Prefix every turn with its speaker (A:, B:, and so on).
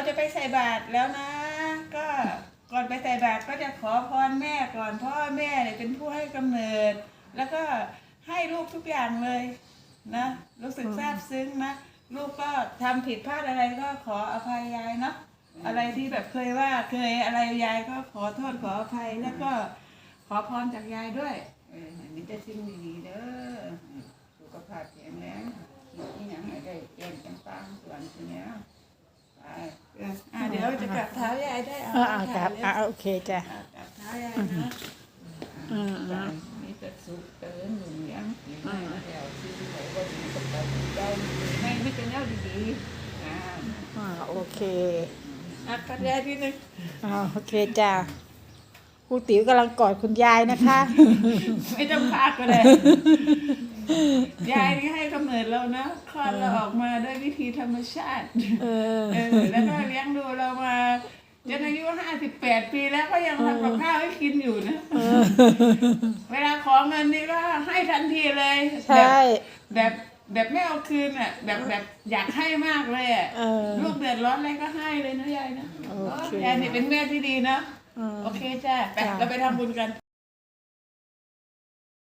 A: จะไปใส่บาตรแล้วนะ ก็ก่อนไปใส่บาตรก็จะขอพรแม่ก่อนพ่อแม่เนี่ยเป็นผู้ให้กำเนิด แล้วก็ให้ลูกทุกอย่างเลยนะรู้สึกซาบซึ้งนะลูกก็ทำผิดพลาดอะไรก็ขออภัยยายเนาะอะไรที่แบบเคยว่าเคยอะไรยายก็ขอโทษขออภัยแล้วก็ขอพรจากยายด้วย
B: มีแต่สิ่งดีๆเด้อสุขภาพแข็งแรงคิดที่ยังไม่ได้เปลี่ยนจังปังส่วนตัวเนี้ยไป
A: เดี๋ยวจะกลับเท้ายายได้
C: ครับโอเคจ้ะ
A: กลับเท้ายายนะ
B: มีแต่สุขเตือนหนุ่มเลี้ยงกินไม่แล้วที่ไหนก็ดีกับเราได้ไม่เป็นแนวดีๆ
C: โอเค
A: กันยายทีนึง
C: โอเคจ้ะครูติ๋วกำลังกอดคุณยายนะคะ
A: ไม่ต้องพากก็ได้ยายนี่ให้กำเนิดเรานะคลอดเราออกมาด้วยวิธีธรรมชาติแล้วก็เลี้ยงดูเรามาจนอายุ58 ปีแล้วก็ยังทำกับข้าวให้กินอยู่นะเวลาขอเงินนี่ก็ให้ทันทีเลย
C: ใช่
A: แบบไม่เอาคืนอ่ะแบบอยากให้มากเลยอ่ะลูกเดือดร้อนอะไรก็ให้เลยนะยายนะยายนี่เป็นแม่ที่ดีนะโอเคจ้ะไปเราไปทำบุญกัน